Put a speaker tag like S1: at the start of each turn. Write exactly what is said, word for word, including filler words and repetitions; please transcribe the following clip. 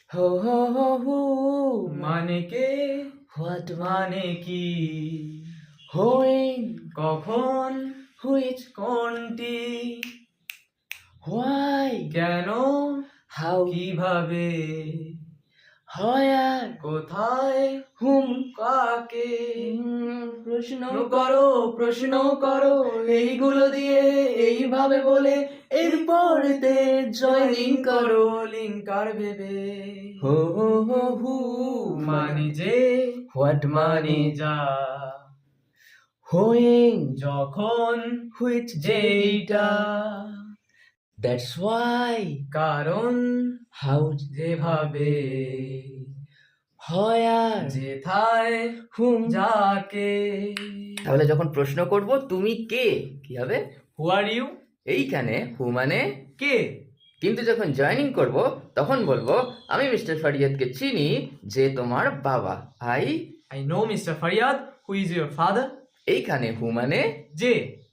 S1: হো হো হো হু
S2: মানে কে,
S1: হোয়াট
S2: মানে কি,
S1: হোয়েন
S2: কখন,
S1: হুইচ
S2: কোনটি,
S1: হোয়াই
S2: কেন,
S1: হাউ
S2: কিভাবে,
S1: হোয়ার
S2: কোথায়,
S1: হুম
S2: কাকে।
S1: প্রশ্ন
S2: প্রশ্ন করো, প্রশ্ন করো, এইগুলো দিয়ে এইভাবে বলে
S1: এরপরেতে
S2: জয়নিং করো লিঙ্কার ভেবে।
S1: হো হো হো হু
S2: মানে যে,
S1: হোয়াট
S2: মানে যা,
S1: হোয়েন
S2: যখন,
S1: হুইচ
S2: যেইটা,
S1: দ্যাটস ওয়াই
S2: কারণ,
S1: হাউ
S2: যেভাবে,
S1: হোয়ার
S2: যেথায়,
S1: হুম
S2: যাকে।
S1: তাহলে যখন প্রশ্ন করব তুমি কে কি হবে
S2: হু আর ইউ,
S1: এইখানে হু মানে
S2: কে,
S1: কিন্তু যখন জয়েনিং করব তখন বলবো আমি মিস্টার ফারিয়াদকে চিনি যে তোমার বাবা I
S2: I know mister Fariyad who is your father.
S1: এইখানে হু মানে
S2: যে,